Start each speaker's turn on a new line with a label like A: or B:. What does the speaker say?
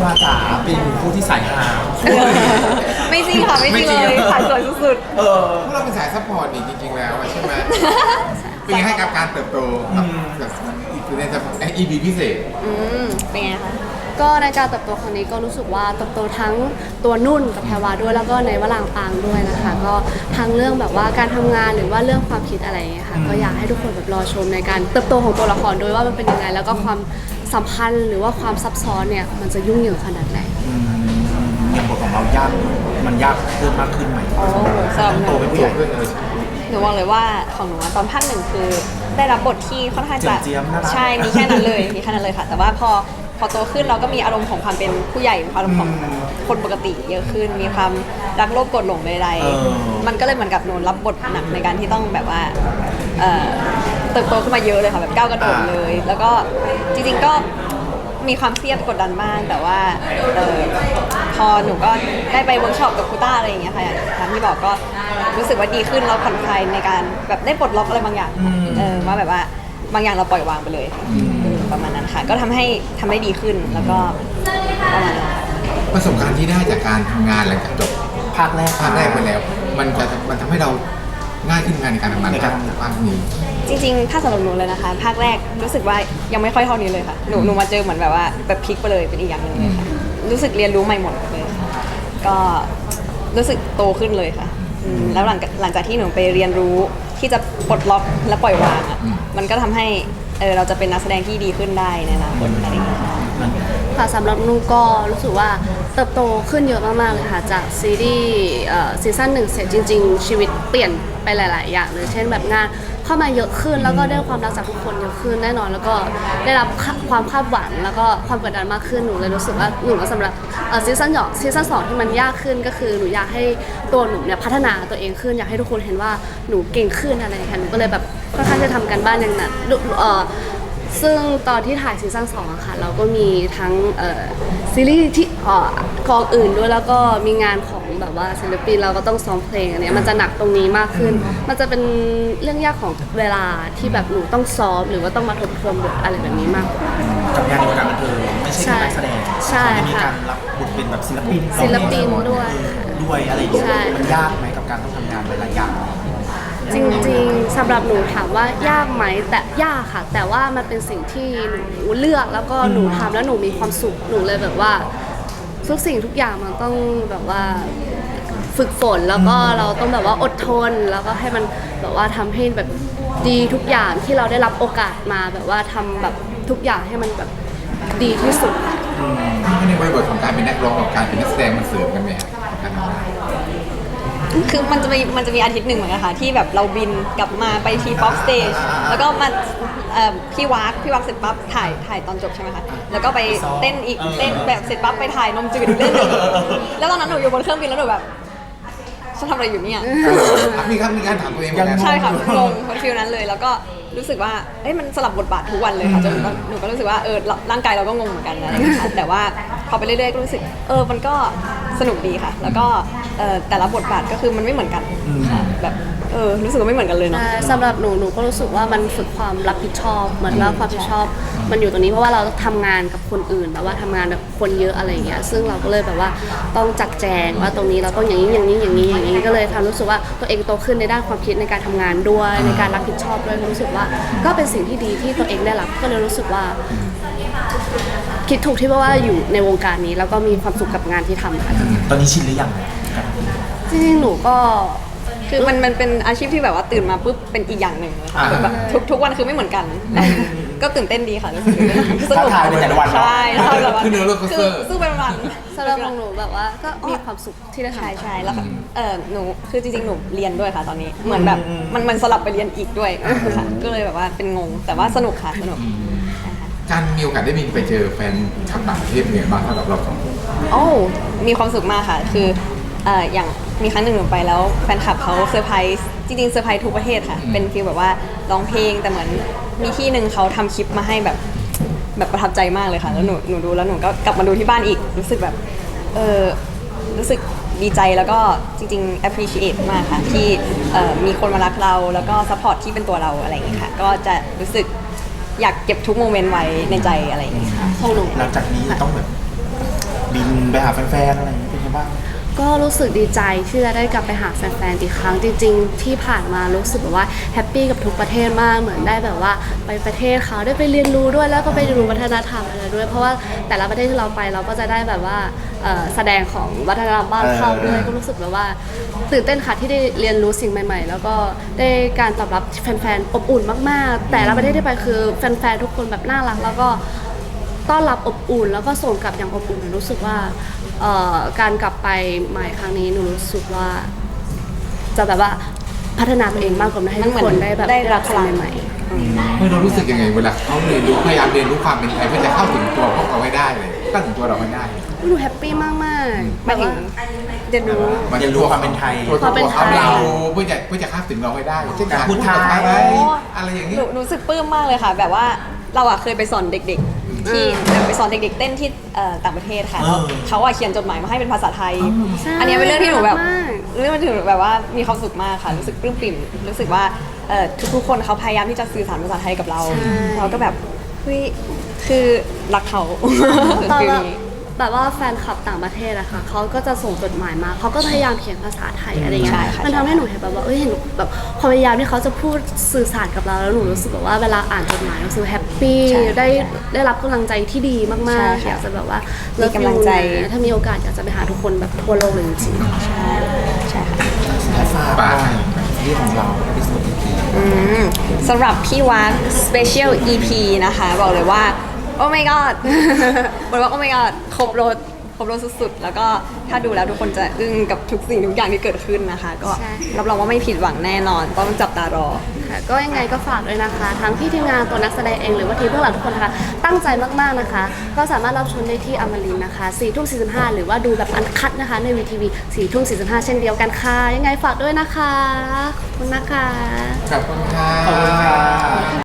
A: วาจ๋าเป็นผู้ที่สายหา
B: ไม่จริงค่ะไม่จริงเลยขายสวยสุด
A: เออ
C: พวกเราเป็นสายซัพพอร์ตนี่จริงๆแล้วอะใช่ไหมเป็นไงให้กับการเติบโตกับในEP พิเศษ
B: เป็นไงคะ
D: ก็ในการเติบโตครั้งนี้ก็รู้สึกว่าเติบโตทั้งตัวนุ่นกับแพรวาด้วยแล้วก็ในวลางปางด้วยนะคะก็ทั้งเรื่องแบบว่าการทำงานหรือว่าเรื่องความคิดอะไรอย่างเงี้ยค่ะก็อยากให้ทุกคนแบบรอชมในการเติบโตของตัวละครด้วยว่ามันเป็นยังไงแล้วก็ความสัมพันธ์หรือว่าความซับซ้อนเนี่ยมันจะยุ่งเหยิงขนาดไหน
A: อย่างบทของเรายากมันยากเพิ่มมากขึ้นไหม
B: โอ้สำหรับห
A: โต
B: นู
A: เป็นผู้ใหญ่
B: หนูบอกเลยว่าของหนูอะตอนภาคหนึ่งคือได้รับบทที่ค่อนข้างจะ
A: เจียมๆน่ารัก
B: ใช่มีแค่นั้นเลยมีแค่นั้นเลยค่ะ แต่ว่าพอโตขึ้นเราก็มีอารมณ์ของความเป็นผู้ใหญ่มีความอารมณ์ของคนปกติเยอะขึ้น มีความรักโลภโกรธหลงใดๆมันก็เลยเหมือนกับหนูรับบทหนักในการที่ต้องแบบว่าเติบโตขึ้นมาเยอะเลยค่ะแบบก้าวกระโดดเลย แล้วก็จริงๆก็มีความเครียดกดดันบ้างแต่ว่าพอหนูก็ได้ไปเวิร์กช็อปกับครูต้าอะไรอย่างเงี้ยค่ะอย่างที่บอกก็รู้สึกว่าดีขึ้นเราผ่อนคลายในการแบบได้ปลดล็อกอะไรบางอย่างว่าแบบว่าบางอย่างเราปล่อยวางไปเลยประมาณนั้นค่ะก็ทำได้ดีขึ้นแล้วก็ประมาณนั้น
C: ประสบการณ์ที่ได้จากการทำงานหลังจากจบ
A: ภาคแรก
C: ไปแล้ว มันทำให้เราง่ายขึ้นงานในการทำงานภาคนี้
B: จริงๆถ้าสำหรับหนูเลยนะคะภาคแรกรู้สึกว่ายังไม่ค่อยเท่านี้เลยค่ะหนูมาเจอเหมือนแบบว่าแบบพลิกไปเลยเป็นอีกอย่างหนึ่งเลยค่ะรู้สึกเรียนรู้ใหม่หมดเลยค่ะก็รู้สึกโตขึ้นเลยค่ะแล้วหลังจากที่หนูไปเรียนรู้ที่จะปลดล็อกและปล่อยวางอ่ะมันก็ทำให้เราจะเป็นนักแสดงที่ดีขึ้นได้ในอนาคตอะไรอย่างเงี้ยค่ะ
D: ค่ะสำหรับนุ่นก็รู้สึกว่าเติบโตขึ้นเยอะมากๆเลยค่ะจากซีรีส์ซีซั่น1เสร็จจริงๆชีวิตเปลี่ยนไปหลายๆอย่างเลยเช่นแบบงานเข้ามาเยอะขึ้นแล้วก็ได้ความรักจากทุกคนเยอะขึ้นแน่นอนแล้วก็ได้รับความคาดหวังแล้วก็ความกดดันมากขึ้นหนูเลยรู้สึกว่าหนูสำหรับซีซั่น2ที่มันยากขึ้นก็คือหนูอยากให้ตัวหนูเนี่ยพัฒนาตัวเองขึ้นอยากให้ทุกคนเห็นว่าหนูเก่งขึ้นอะไรอย่างเงี้ยหนูก็เลยแบบค่อนข้างจะทำกันบ้านอย่างหนักซึ่งตอนที่ถ่ายซีซั่น2อะค่ะเราก็มีทั้งซีรีส์ที่กองอื่นด้วยแล้วก็มีงานของแบบว่าศิลปินเราก็ต้องซ้อมเพลงอันเนี้ยมันจะหนักตรงนี้มากขึ้น มันจะเป็นเรื่องยากของเวลาที่แบบหนูต้องซ้อมหรือว่าต้องมาทบทวนบทอะไรแบบนี้มากกว่า
A: กับงานในวงการบันเทิงไม่ใช่แค่นักแสดง
D: ใช่
A: มี
D: ค่ะ
A: การรับบทเป็นแบบศิลปิน
D: ศิลปินด้วย
A: ด้วยอะไรอย่างเงี้ย
D: ใช่
A: มันยากไหมกับการต้องทำงานหลายๆอย่าง
D: จริงๆสำหรับหนูถามว่ายากไหมแต่ยากค่ะ แต่ว่ามันเป็นสิ่งที่หนูเลือกแล้วก็หนูทำแล้วหนูมีความสุขหนูเลยแบบว่าทุกสิ่งทุกอย่างมันต้องแบบว่าฝึกฝนแล้วก็เราต้องแบบว่าอดทนแล้วก็ให้มันแบบว่าทำให้แบบดีทุกอย่างที่เราได้รับโอกาสมาแบบว่าทำแบบทุกอย่างให้มันแบบดีที่สุด
C: ในบริบทของการเป็นนักร้องกับการเป็นนักแสดงมันเสริมกันไหมครับการทำงาน
B: คือมันจะมีอาทิตย์หนึ่งเหมือนกันค่ะที่แบบเราบินกลับมาไปทีป๊อปสเตจแล้วก็มาพี่วักเสร็จปั๊บถ่ายตอนจบใช่ไหมคะแล้วก็ไปเต้นอีกเต้นแบบเสร็จปั๊บไปถ่ายนมจืดอีกเล่นอีกแล้วตอนนั้นหนูอยู่บนเครื่องบินแล้วหนูแบบฉันทำอะไรอยู่เนี่ย
C: มีการถามตัวเองเหมือนกัน
B: ใช่ค่ะงงคนฟิลนั้นเลยแล้วก็รู้สึกว่าเอ้ยมันสลับบทบาททุกวันเลยค่ะจนหนูก็รู้สึกว่าร่างกายเราก็งงเหมือนกันอะไรอย่างเงี้ยค่ะแต่ว่าพอไปเรื่อยๆก็รู้สึกมันก็สนุกดีค่ะ แล้วก็แต่ละบทบาทก็คือมันไม่เหมือนกันค่ะแบบรู้สึกว่าไม่เหมือนกันเลยเนาะ
D: สำหรับหนูก็รู้สึกว่ามันฝึกความรับผิดชอบเหมือนว่าความรับผิดชอบมันอยู่ตรงนี้เพราะว่าเราทำงานกับคนอื่นแบบว่าทำงานแบบคนเยอะอะไรอย่างเงี้ยซึ่งเราก็เลยแบบว่าต้องจัดแจงว่าตรงนี้เราต้องอย่างนี้ก็เลยทำรู้สึกว่าตัวเองโตขึ้นในด้านความคิดในการทำงานด้วยในการรับผิดชอบด้วยรู้สึกว่าก็เป็นสิ่งที่ดีที่ตัวเองได้รับก็เลยรู้สึกว่าคิดถูกที่ว่าอยู่ในวงการนี้แล้วก็มีความสุขกับงานที่ทำค่ะ
A: ตอนนี้ชินหรือยัง
D: จริงๆหนูก็
B: คือมันเป็นอาชีพที่แบบว่าตื่นมาปุ๊บเป็นอีกอย่างหนึ่งเลยค่ะแบบทุกวันคือไม่เหมือนกัน ก็ตื่นเต้นดีค่ะรู้สึกสนุก
A: ท้าทายในแต่ละวัน
B: ใช่ท้าทายแต่ละวัน
C: ขึ้นเรือโรลโคสเตอร์
B: สู้เป็นวัน
D: สำหรับของหนูแบบว่าก็มีความสุขที่ได้ทำ
B: ใช่แล้วก็หนูคือจริงๆหนูเรียนด้วยค่ะตอนนี้เหมือนแบบมันสลับไปเรียนอีกด้วยค่ะก็เลยแบบว่าเป็นงงแต่ว่าสนุกค่ะสนุก
C: การมีโอกาสได้บินไปเจอแฟนชาวต่างประเทศเนี่ยบ้างสำหรับเราสองคน
B: โอ้มีความสุขมากค่ะคืออย่างมีครั้งหนึ่งหนูไปแล้วแฟนคลับเขาเซอร์ไพรส์จริงๆเซอร์ไพรส์ทุกประเทศค่ะเป็นฟีลแบบว่าร้องเพลงแต่เหมือนมีที่หนึ่งเขาทำคลิปมาให้แบบประทับใจมากเลยค่ะแล้วหนูดูแล้วหนูก็กลับมาดูที่บ้านอีกรู้สึกแบบรู้สึกดีใจแล้วก็จริงๆ appreciate มากค่ะที่มีคนมารักเราแล้วก็ support ที่เป็นตัวเราอะไรอย่างเงี้ยค่ะก็จะรู้สึกอยากเก็บทุกโมเมนต์ไว้ในใจอะไรอย่างเงี้ยค่ะ
D: ของหนู
A: หลังจากนี้ต้องแบบบินไปหาแฟนๆอะไรอย่างเงี้ยเป็นไงบ้าง
D: ก็รู้สึกดีใจที่จะได้กลับไปหาแฟนๆอีกครั้งจริงๆที่ผ่านมารู้สึกแบบว่าแฮปปี้กับทุกประเทศมากเหมือนได้แบบว่าไปประเทศเขาได้ไปเรียนรู้ด้วยแล้วก็ไปเรียนรู้วัฒนธรรมอะไรด้วยเพราะว่าแต่ละประเทศที่เราไปเราก็จะได้แบบว่าแสดงของวัฒนธรรมบ้านเขาด้วยก็รู้สึกแบบว่าตื่นเต้นค่ะที่ได้เรียนรู้สิ่งใหม่ๆแล้วก็ได้การตอบรับแฟนๆอบอุ่นมากๆแต่ละประเทศที่ไปคือแฟนๆทุกคนแบบน่ารักแล้วก็ต้อนรับอบอุ่นแล้วก็ส่งกลับอย่างอบอุ่นรู้สึกว่าการกลับไปใหม่ครั้งนี้หนูรู้สึกว่าจะแบบว่าพัฒนาตัวเองมากกว่าให้ทุกคนได้แบบ
B: ได้รับพลัง
D: สิ่งใหม่
C: เรารู้สึกยังไงเวลาเขาเรียนรู้พยายามเรียนรู้ความเป็นไทยเพื่อจะเข้าถึงตัวพวกเราให้ได้เลยเข้าถึงตัวเราให้ได้
D: ๆหนูแฮปปี้มากๆ
B: หมายถึงเรียนรู้
A: เรียนรู้ความเป็นไทย
C: ตัว
D: ความเป็นไทย
C: เราเพื่อจะเข้าถึงเราให้ได้เช่นการพูดภาษาไทยอะไรอย่างนี้
B: หนูรู้สึกปลื้มมากเลยค่ะ แบบว่าเราอะเคยไปสอนเด็กๆ ที่ไปสอนเด็กๆเต้นที่ต่างประเทศค่ะ
A: เออ
B: เขาอะเขียนจดหมายมาให้เป็นภาษาไทย
D: ใช่
B: อันนี้เป็นเรื่องที่หนูแบบ
D: น่ารักมาก
B: เรื่องที่หนูแบบว่ามีความสุขมากค่ะ รู้สึกปลื้มปิ่มรู้สึกว่าทุกๆคนเขาพยายามที่จะสื่อสารภาษาไทยกับเรา เราก็แบบเฮ้ยคือรักเขา
D: ตอน
B: ฟิล
D: แบบ
B: นี้
D: แบบว่าแฟนคลับต่างประเทศอะค่ะเขาก็จะส่งจดหมายมาเขาก็พยายามเขียนภาษาไทยอะไรเงี้
B: ใช่
D: ย
B: ค่ะ
D: มันทำให้หนูเห็นแบบว่าเห็นแบบความพยายามที่เขาจะพูดสื่อสารกับเราแล้วหนูรู้สึกแบบว่าเวลาอ่านจดหมายรู้สึกแฮปปี้
B: ใช่
D: ได้รับกำลังใจที่ดีมาก
B: ใช่
D: ๆ
B: ค่ะ
D: อยากจะแบบว่า
B: มี
D: มี
B: กำลังใจ
D: ถ้ามีโอกาสอยากจะไปหาทุกคนแบบทั่วโลกเลยจริงๆ
B: ใช่ค่ะ
A: และฝากหน่อยที่ของเราที่สุด
B: สำหรับพี่วัก Special EP นะคะ บอกเลยว่า โอ้ my god บอกว่าโอ้ my god ครบรถสุดๆ แล้วก็ถ้าดูแล้วทุกคนจะอึ้งกับทุกสิ่งทุกอย่างที่เกิดขึ้นนะคะ ก็
D: ใช่
B: รับรองว่าไม่ผิดหวังแน่นอน ต้องจับตารอ
D: ค่ะก็ยังไงก็ฝากด้วยนะคะ ทั้งพี่ทีมงานตัวนักแสดงเองหรือว่าทีมเบื้องหลังทุกคนนะคะตั้งใจมากๆนะคะ ก็สามารถรับชมได้ที่อมรินทร์นะคะ4 ทุ่ม 45หรือว่าดูแบบอันคัดนะคะในวีทีวี4 ทุ่ม 45 เช่นเดียวกันค่ะยังไงฝากด้วยนะคะขอบคุณนะคะ
C: ขอบคุณค่ะ
A: ขอบคุณค่ะ